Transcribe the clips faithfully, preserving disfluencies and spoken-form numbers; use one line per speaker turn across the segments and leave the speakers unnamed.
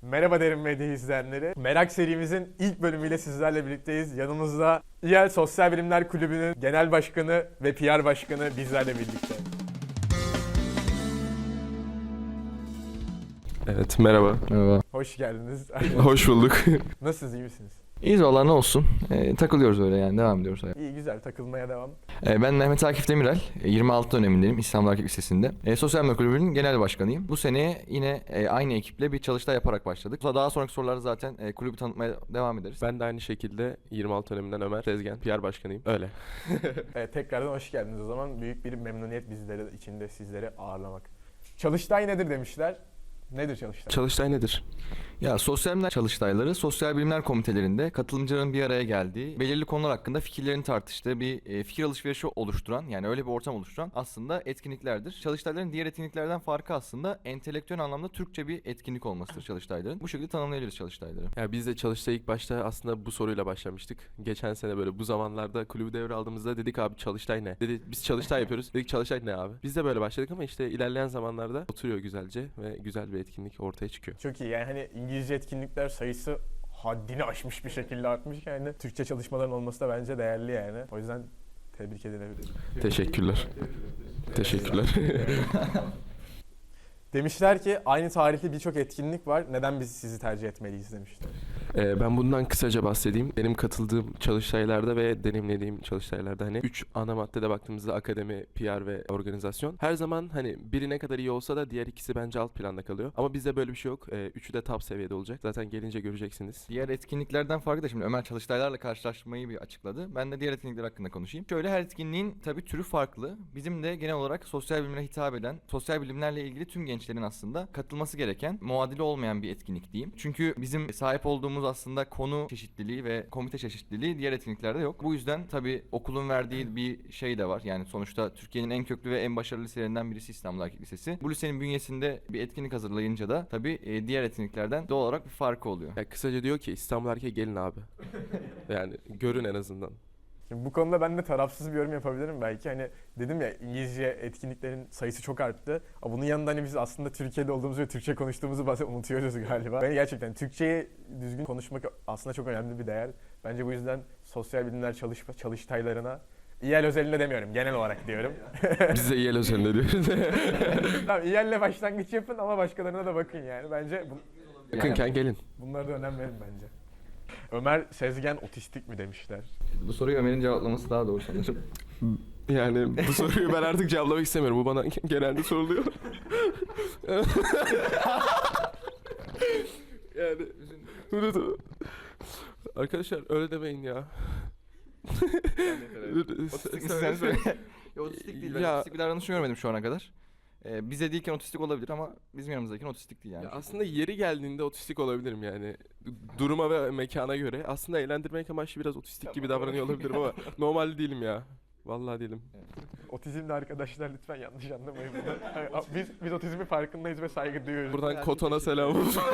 Merhaba Derin Medya izleyenleri. Merak serimizin ilk bölümüyle sizlerle birlikteyiz. Yanımızda İ E L Sosyal Bilimler Kulübü'nün genel başkanı ve P R başkanı bizlerle birlikte.
Evet, merhaba.
Merhaba.
Hoş geldiniz.
Hoş bulduk.
Nasılsınız, iyi misiniz?
İyiyiz valla, ne olsun. Ee, takılıyoruz öyle yani, devam ediyoruz.
İyi, güzel, takılmaya devam.
Ee, ben Mehmet Akif Demirel, yirmi altı dönemindeyim İstanbul Erkek Lisesi'nde. Ee, Sosyal Bilimler Kulübü'nün genel başkanıyım. Bu seneye yine e, aynı ekiple bir çalıştay yaparak başladık. Daha sonraki sorularda zaten e, kulübü tanıtmaya devam ederiz.
Ben de aynı şekilde yirmi altı döneminden Ömer Tezgen, P R başkanıyım. Öyle.
Evet, tekrardan hoş geldiniz o zaman. Büyük bir memnuniyet bizleri içinde sizleri ağırlamak. Çalıştay nedir demişler. Nedir Çalıştay?
Çalıştay nedir?
Ya sosyal bilimler çalıştayları, sosyal bilimler komitelerinde katılımcıların bir araya geldiği, belirli konular hakkında fikirlerini tartıştığı bir e, fikir alışverişi oluşturan, yani öyle bir ortam oluşturan aslında etkinliklerdir. Çalıştayların diğer etkinliklerden farkı aslında entelektüel anlamda Türkçe bir etkinlik olmasıdır çalıştayların. Bu şekilde tanımlayabiliriz çalıştayları.
Ya biz de Çalıştay ilk başta aslında bu soruyla başlamıştık. Geçen sene böyle bu zamanlarda kulübü devraldığımızda dedik abi Çalıştay ne? Dedi biz Çalıştay yapıyoruz. Dedik Çalıştay ne abi? Biz de böyle başladık ama işte ilerleyen zamanlarda oturuyor güzelce ve güzel bir etkinlik ortaya çıkıyor.
Çok iyi, yani hani İngilizce etkinlikler sayısı haddini aşmış bir şekilde artmış, yani Türkçe çalışmaların olması da bence değerli yani. O yüzden tebrik edilebilir.
Teşekkürler. Teşekkürler.
Demişler ki aynı tarihli birçok etkinlik var. Neden biz sizi tercih etmeliyiz demişler.
Ee, ben bundan kısaca bahsedeyim. Benim katıldığım çalıştaylarda ve deneyimlediğim çalıştaylarda hani üç ana maddede baktığımızda akademi, P R ve organizasyon. Her zaman hani biri ne kadar iyi olsa da diğer ikisi bence alt planda kalıyor. Ama bizde böyle bir şey yok. Ee, üçü de top seviyede olacak. Zaten gelince göreceksiniz.
Diğer etkinliklerden farkı da şimdi Ömer çalıştaylarla karşılaşmayı bir açıkladı. Ben de diğer etkinlikler hakkında konuşayım. Şöyle, her etkinliğin tabii türü farklı. Bizim de genel olarak sosyal bilimlere hitap eden, sosyal bilimlerle ilgili tüm gençlerin aslında katılması gereken, muadili olmayan bir etkinlik diyeyim. Çünkü bizim sahip olduğumuz aslında konu çeşitliliği ve komite çeşitliliği diğer etkinliklerde yok. Bu yüzden tabii okulun verdiği bir şey de var. Yani sonuçta Türkiye'nin en köklü ve en başarılı liselerinden birisi İstanbul Erkek Lisesi. Bu lisenin bünyesinde bir etkinlik hazırlayınca da tabii e, diğer etkinliklerden doğal olarak bir farkı oluyor.
Ya kısaca diyor ki İstanbul Erkeğe gelin abi. Yani görün en azından.
Şimdi bu konuda ben de tarafsız bir yorum yapabilirim belki. Hani dedim ya, İngilizce etkinliklerin sayısı çok arttı. Ama bunun yanında hani biz aslında Türkiye'de olduğumuzu ve Türkçe konuştuğumuzu bazen unutuyoruz galiba. Ben gerçekten Türkçeyi düzgün konuşmak aslında çok önemli bir değer. Bence bu yüzden sosyal bilimler çalış çalıştaylarına, İ E L özelinde demiyorum, genel olarak diyorum.
Biz de İ E L özelinde diyoruz.
Tamam, İ E L'le başlangıç yapın ama başkalarına da bakın yani. Bence bu,
Yakınken gelin.
bunlara da önem verin bence. Ömer Sezgen otistik mi demişler.
Bu soruyu Ömer'in cevaplaması daha doğru sanırım.
Yani bu soruyu ben artık cevaplamak istemiyorum. Bu bana genelde soruluyor. Yani arkadaşlar öyle demeyin ya.
Otistik misin sen söyle. Ya, otistik değil. Ben
Ya-
otistik bir davranış görmedim şu ana kadar. Ee, bize değilken otistik olabilir ama bizim yanımızdayken otistik değil yani.
Ya aslında yeri geldiğinde otistik olabilirim yani. Duruma ve mekana göre. Aslında eğlendirmek amaçlı biraz otistik gibi davranıyor olabilirim ama normal değilim ya. Vallahi değilim.
Otizmli arkadaşlar lütfen yanlış anlamayın bunu. Biz, biz otizmin farkındayız ve saygı duyuyoruz.
Buradan Koton'a selam olsun.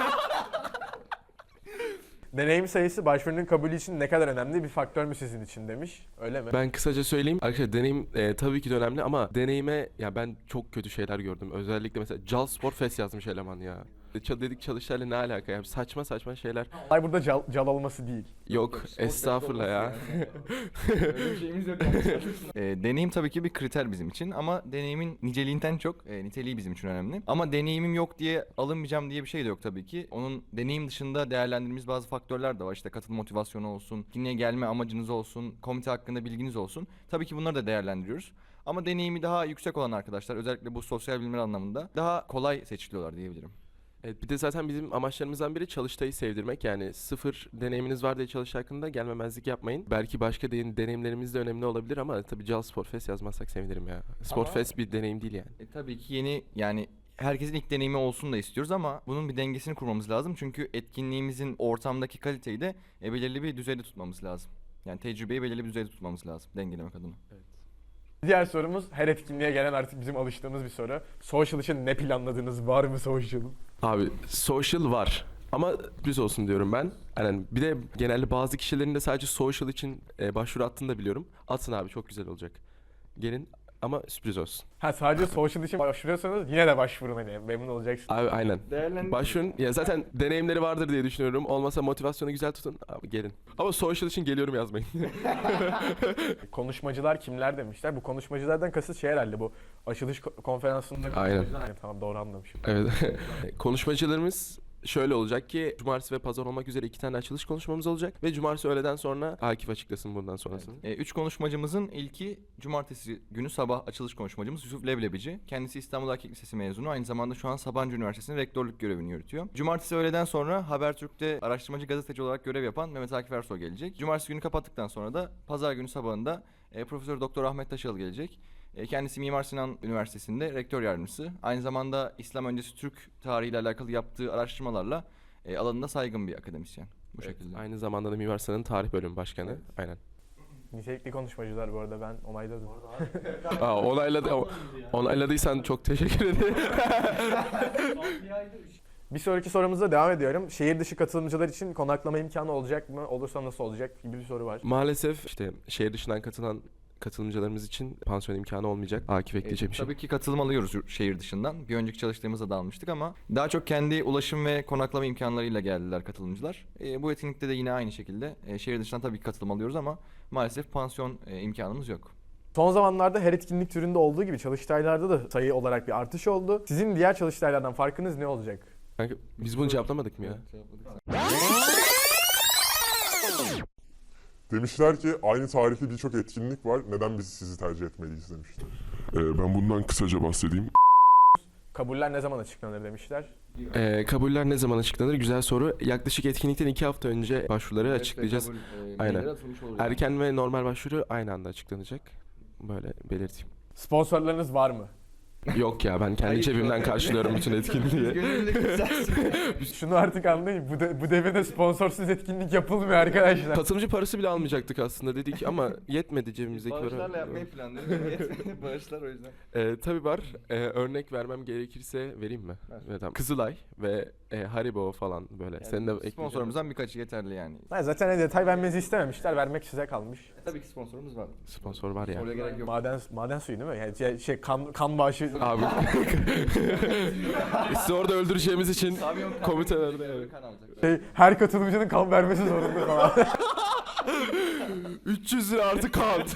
Deneyim sayısı başvurunun kabulü için ne kadar önemli bir faktör mü sizin için demiş. Öyle mi?
Ben kısaca söyleyeyim. Arkadaşlar deneyim e, tabii ki de önemli ama deneyime ya ben çok kötü şeyler gördüm. Özellikle mesela Cal Spor Fest yazmış eleman ya. Ç- dedik çalıştayla ne alaka ya? Saçma saçma şeyler.
Olay burada cal, cal olması değil.
Yok estağfurullah ya.
Öyle bir şeyimiz yok. e, deneyim tabii ki bir kriter bizim için ama deneyimin niceliğinden çok e, niteliği bizim için önemli. Ama deneyimim yok diye alınmayacağım diye bir şey de yok tabii ki. Onun deneyim dışında değerlendirdiğimiz bazı faktörler de var. İşte katılım motivasyonu olsun, etkinliğe gelme amacınız olsun, komite hakkında bilginiz olsun. Tabii ki bunları da değerlendiriyoruz. Ama deneyimi daha yüksek olan arkadaşlar, özellikle bu sosyal bilimler anlamında daha kolay seçiliyorlar diyebilirim.
Evet, bir de zaten bizim amaçlarımızdan biri çalıştayı sevdirmek. Yani sıfır deneyiminiz var diye çalıştay hakkında gelmemezlik yapmayın. Belki başka de- deneyimlerimiz de önemli olabilir ama tabii Cal Spor Fest yazmazsak sevinirim ya. Spor
Ama-
Fest bir deneyim değil yani.
E, tabii ki yeni, yani herkesin ilk deneyimi olsun da istiyoruz ama bunun bir dengesini kurmamız lazım. Çünkü etkinliğimizin ortamdaki kaliteyi de e, belirli bir düzeyde tutmamız lazım. Yani tecrübeyi belirli bir düzeyde tutmamız lazım dengelemek adına.
Diğer sorumuz, her etkinliğe gelen artık bizim alıştığımız bir soru. Social için ne planladınız? Var mı social?
Abi social var ama düz olsun diyorum ben. Yani bir de genelde bazı kişilerin de sadece social için e, başvuru attığını da biliyorum. Atın abi çok güzel olacak. Gelin ama sürpriz olsun.
Ha sadece social için başvuruyorsanız yine de başvurun hani memnun olacaksınız.
Abi aynen.
Değerlendir.
Başvurun. Ya zaten deneyimleri vardır diye düşünüyorum. Olmasa motivasyonu güzel tutun. Abi gelin. Ama social için geliyorum yazmayın.
Konuşmacılar kimler demişler. Bu konuşmacılardan kasıt şey herhalde bu açılış ko- konferansında.
Aynen.
Aynen, tamam doğru anlamışım.
Evet. Konuşmacılarımız şöyle olacak ki cumartesi ve pazar olmak üzere iki tane açılış konuşmamız olacak ve cumartesi öğleden sonra Akif açıklasın bundan sonrasını.
E, üç konuşmacımızın ilki cumartesi günü sabah açılış konuşmacımız Yusuf Leblebici. Kendisi İstanbul Erkek Lisesi mezunu. Aynı zamanda şu an Sabancı Üniversitesi'nin rektörlük görevini yürütüyor. Cumartesi öğleden sonra Habertürk'te araştırmacı gazeteci olarak görev yapan Mehmet Akif Ersoy gelecek. Cumartesi günü kapattıktan sonra da pazar günü sabahında e, Profesör Doktor Ahmet Taşal gelecek. E, Kendisi Mimar Sinan Üniversitesi'nde rektör yardımcısı. Aynı zamanda İslam öncesi Türk tarihiyle alakalı yaptığı araştırmalarla e, alanında saygın bir akademisyen. Bu
Evet,
şekilde.
aynı zamanda da Mimar Sinan'ın tarih bölümü başkanı. Aynen.
Nitelikli konuşmacılar bu arada ben onayladım.
Aa, onayladı, onayladıysan çok teşekkür ederim.
Bir sonraki sorumuza devam ediyorum. Şehir dışı katılımcılar için konaklama imkanı olacak mı? Olursa nasıl olacak gibi bir soru var.
Maalesef işte şehir dışından katılan katılımcılarımız için pansiyon imkanı olmayacak. Akif ekleyeceğim
E,
bir şey.
Tabii ki katılım alıyoruz yurt- şehir dışından. Bir önceki çalıştığımızda da almıştık ama daha çok kendi ulaşım ve konaklama imkanlarıyla geldiler katılımcılar. E, bu etkinlikte de yine aynı şekilde e, şehir dışından tabii ki katılım alıyoruz ama maalesef pansiyon e, imkanımız yok.
Son zamanlarda her etkinlik türünde olduğu gibi çalıştaylarda da sayı olarak bir artış oldu. Sizin diğer çalıştaylardan farkınız ne olacak?
Kanka, biz bunu cevaplamadık mı ya?
Demişler ki aynı tarihli birçok etkinlik var. Neden biz sizi tercih etmeliyiz demişler.
Ee, ben bundan kısaca bahsedeyim.
Kabuller ne zaman açıklanır demişler.
Ee, kabuller ne zaman açıklanır? Güzel soru. Yaklaşık etkinlikten iki hafta önce başvuruları açıklayacağız. Aynen. Erken ve normal başvuru aynı anda açıklanacak. Böyle belirteyim.
Sponsorlarınız var mı?
Yok ya, ben kendi cebimden karşılıyorum bütün etkinliği.
Şunu artık anlayın. Bu, de, bu devirde sponsorsuz etkinlik yapılmıyor arkadaşlar.
Katılımcı parası bile almayacaktık aslında dedik ama yetmedi cebimizdeki para.
Bağışlarla yapmayı planlıyoruz. Yetmedi. Bağışlar o yüzden.
Ee, tabii var. Ee, örnek vermem gerekirse vereyim mi?
Ver.
Evet, tamam. Kızılay ve e, Haribo falan böyle. Senin de ekleyeceğin-
Sponsorumuzdan birkaçı yeterli yani.
Ha, zaten hani detay vermenizi istememişler. Vermek size kalmış.
E, tabii ki sponsorumuz var.
Sponsor var ya.
Oraya gerek yok.
Maden maden suyu değil mi? Yani şey, şey kan kan bağışı.
Abi. Sizi orada öldüreceğimiz için
Savyon kan-
komitelerde evet.
kan alacak.
Şey, her katılımcının kan vermesi zorunda falan.
üç yüz lira artı kart.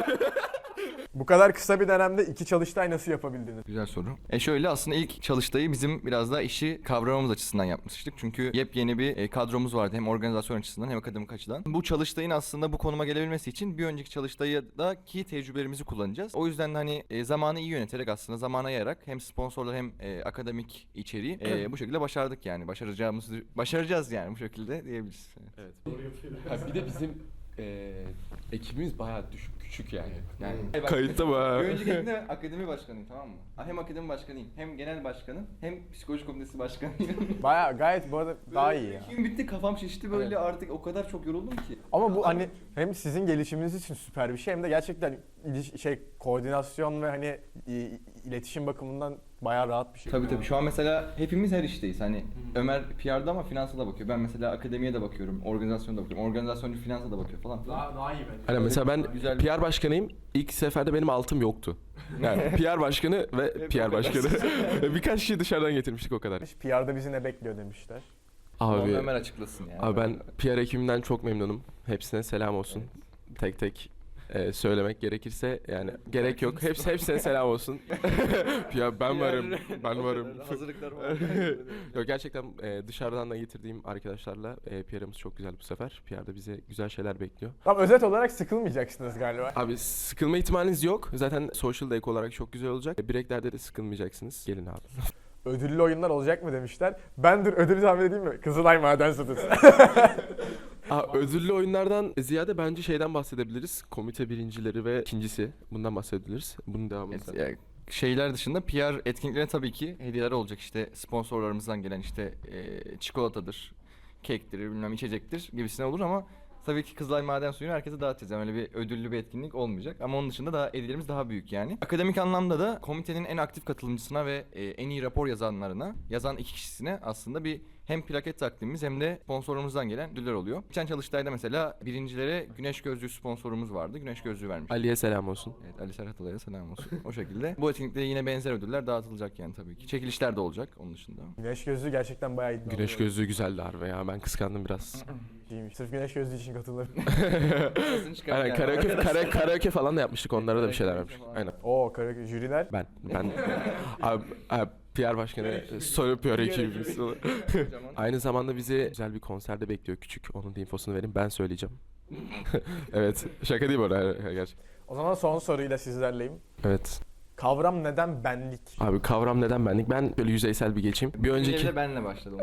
Bu kadar kısa bir dönemde iki çalıştay nasıl yapabildiniz?
Güzel soru. E şöyle aslında ilk çalıştayı bizim biraz daha işi kavramamız açısından yapmıştık. Çünkü yepyeni bir e, kadromuz vardı hem organizasyon açısından hem akademik açıdan. Bu çalıştayın aslında bu konuma gelebilmesi için bir önceki çalıştaydaki tecrübelerimizi kullanacağız. O yüzden de hani e, zamanı iyi yöneterek aslında zamana yayarak hem sponsorlar hem e, akademik içeriği e, bu şekilde başardık yani. Başaracağımızı başaracağız yani bu şekilde diyebiliriz.
Evet. Ha, bir de bizim e, ekibimiz bayağı düşük, küçük yani.
Yani
Kayıtta mı ha?
Bir önceki ekibinde akademi başkanıyım, tamam mı? Hem akademi başkanıyım, hem genel başkanım, hem psikoloji komitesi başkanıyım.
Baya gayet bu arada daha iyi ya.
Gün bitti, kafam şişti böyle, artık o kadar çok yoruldum ki.
Ama bu hani hem sizin gelişiminiz için süper bir şey hem de gerçekten iliş- şey koordinasyon ve hani i- iletişim bakımından bayağı rahat bir şey.
Tabii tabii, şu an mesela hepimiz her işteyiz. Hani Ömer P R'da ama finansa da bakıyor. Ben mesela akademiye de bakıyorum, organizasyona da bakıyorum. Organizasyoncu finansa da bakıyor falan filan.
daha iyi bence.
Hani mesela ben
Güzel.
P R başkanıyım. İlk seferde benim altım yoktu. Yani P R başkanı ve P R başkanı. Birkaç kişi dışarıdan getirmiştik o kadar.
P R'da bizi ne bekliyor demişler.
Onu
Abi,
Ömer açıklasın yani.
abi ben P R ekibimden çok memnunum. Hepsine selam olsun. Tek tek e, söylemek gerekirse yani gerek yok. Hepsi hepsine selam olsun. Ya ben varım. Ben varım.
Hazırlıklar var.
Yok gerçekten e, dışarıdan da getirdiğim arkadaşlarla e, P R'ımız çok güzel bu sefer. P R'da bize güzel şeyler bekliyor.
Tam özet olarak sıkılmayacaksınız galiba.
Abi sıkılma ihtimaliniz yok. Zaten social day olarak çok güzel olacak. Breaklerde de sıkılmayacaksınız. Gelin abi.
Ödüllü oyunlar olacak mı demişler. Ben dur ödülü tahmin edeyim mi? Kızılay Maden Satısı.
Aa, ödüllü oyunlardan ziyade bence şeyden bahsedebiliriz. Komite birincileri ve ikincisi. Bundan bahsedebiliriz. Bunun devamını
Evet,
sen-
yani şeyler dışında P R etkinliklerine tabii ki hediyeler olacak. İşte sponsorlarımızdan gelen işte e, çikolatadır, kektir, bilmem içecektir gibisine olur ama tabii ki Kızılay Maden Suyu'nu herkese dağıtacağız. Yani öyle bir ödüllü bir etkinlik olmayacak ama onun dışında da hediyelerimiz daha büyük yani. Akademik anlamda da komitenin en aktif katılımcısına ve e, en iyi rapor yazanlarına, yazan iki kişisine aslında bir hem plaket takdimimiz hem de sponsorumuzdan gelen ödüller oluyor. Geçen çalıştayda mesela birincilere güneş gözlüğü sponsorumuz vardı. Güneş gözlüğü vermiş.
Ali'ye selam olsun.
Evet, Ali Serhat Alay'a selam olsun. O şekilde. Bu etkinlikte yine benzer ödüller dağıtılacak yani tabii ki. Çekilişler de olacak onun dışında.
Güneş gözlüğü gerçekten bayağı iddialı.
Güneş gözlüğü güzeldi harbi ya. Ben kıskandım biraz.
İyiymiş. Sırf güneş gözlüğü için katılırım.
Aynen karaoke, kara, karaoke falan da yapmıştık. Onlara da bir şeyler vermiş. Aynen.
Oo kara jüriler.
Ben. Ben. abi, abi, P R başkanı soru P R ekibimiz. Aynı zamanda bizi güzel bir konserde bekliyor küçük. Onun da infosunu vereyim. Ben söyleyeceğim. Evet. Şaka değil bu arada. Gerçekten.
O zaman son soruyla sizlerleyim.
Evet.
Kavram neden benlik?
Abi kavram neden benlik? Ben böyle yüzeysel bir geçeyim. Bir önceki
de benle başladım.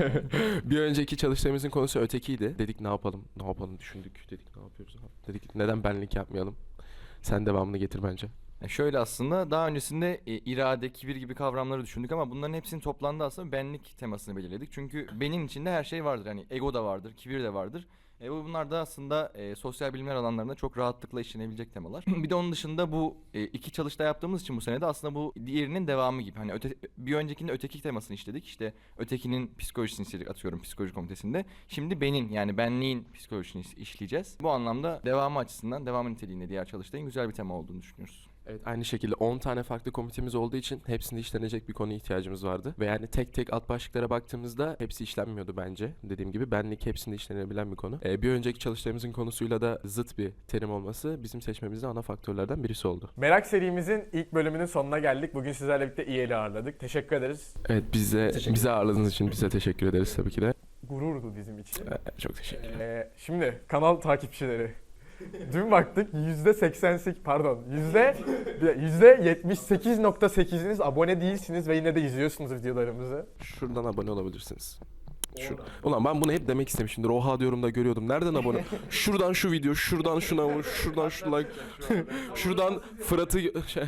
bir önceki çalıştığımızın konusu ötekiydi. Dedik ne yapalım? Ne yapalım düşündük. Dedik ne yapıyoruz abi? Dedik neden benlik yapmayalım? Sen devamını getir bence.
E şöyle aslında daha öncesinde e, irade, kibir gibi kavramları düşündük ama bunların hepsinin toplandığı aslında benlik temasını belirledik. Çünkü benim içinde her şey vardır. Yani ego da vardır, kibir de vardır. E, bu bunlar da aslında e, sosyal bilimler alanlarında çok rahatlıkla işlenebilecek temalar. Bir de onun dışında bu e, iki çalıştay yaptığımız için bu sene de aslında bu diğerinin devamı gibi. Hani öte, bir öncekinde öteki temasını işledik. İşte ötekinin psikolojisini işledik atıyorum psikoloji komitesinde. Şimdi benim yani benliğin psikolojisini işleyeceğiz. Bu anlamda devamı açısından, devamı niteliğinde diğer çalıştayın güzel bir tema olduğunu düşünüyoruz.
Evet, aynı şekilde on tane farklı komitemiz olduğu için hepsinde işlenecek bir konuya ihtiyacımız vardı. Ve yani tek tek alt başlıklara baktığımızda hepsi işlenmiyordu bence. Dediğim gibi benlik hepsinde işlenebilen bir konu. Ee, bir önceki çalıştayımızın konusuyla da zıt bir terim olması bizim seçmemizde ana faktörlerden birisi oldu.
Merak serimizin ilk bölümünün sonuna geldik. Bugün sizlerle birlikte İYEL'i ağırladık. Teşekkür ederiz.
Evet bize bize ağırladığınız için bize teşekkür ederiz tabii ki de.
Gururdu bizim için.
Ee, çok teşekkür ederim.
Ee, şimdi kanal takipçileri. Dün baktık yüzde seksen sekiz pardon yüzde yüzde yetmiş sekiz nokta sekiziniz abone değilsiniz ve yine de izliyorsunuz videolarımızı.
Şuradan abone olabilirsiniz. Şu, ulan ben bunu hep demek istemişimdir. Oha diyorum da görüyordum. Nereden abone? Şuradan şu video, şuradan şuna, şuradan şu like. Şuradan Fırat'ı şey.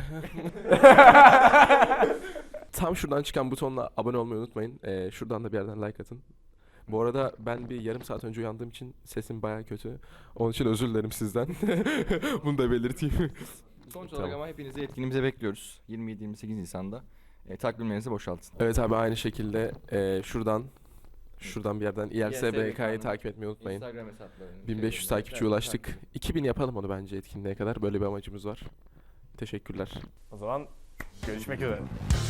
Tam şuradan çıkan butonla abone olmayı unutmayın. Ee, şuradan da bir yerden like atın. Bu arada ben bir yarım saat önce uyandığım için sesim baya kötü. Onun için özür dilerim sizden. Bunu da belirteyim.
Sonuç olarak
Tamam.
ama hepinizi etkinliğimize bekliyoruz. yirmi yedi yirmi sekiz Nisan'da. E, takvimlerinizi boşaltın.
Evet abi aynı şekilde e, şuradan şuradan bir yerden İ L S B K'yı takip etmeyi unutmayın.
Instagram hesaplarını.
bin beş yüz takipçiye ulaştık. iki bin yapalım onu bence etkinliğe kadar. Böyle bir amacımız var. Teşekkürler.
O zaman görüşmek üzere.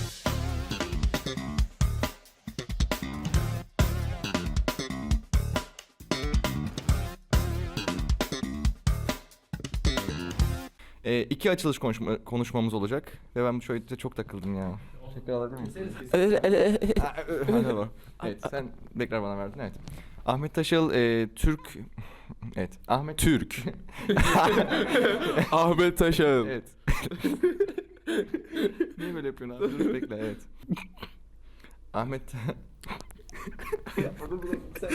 E, iki açılış konuşma, konuşmamız olacak ve ben bu şöyle çok takıldım ya. Tekrar alabilir miyim? Merhaba. Evet sen tekrar bana verdin evet. Ahmet Taşal e, Türk evet Ahmet
Türk. Ahmet Taşan.
evet. Niye böyle yapıyorsun abi? Dur bekle evet. Ahmet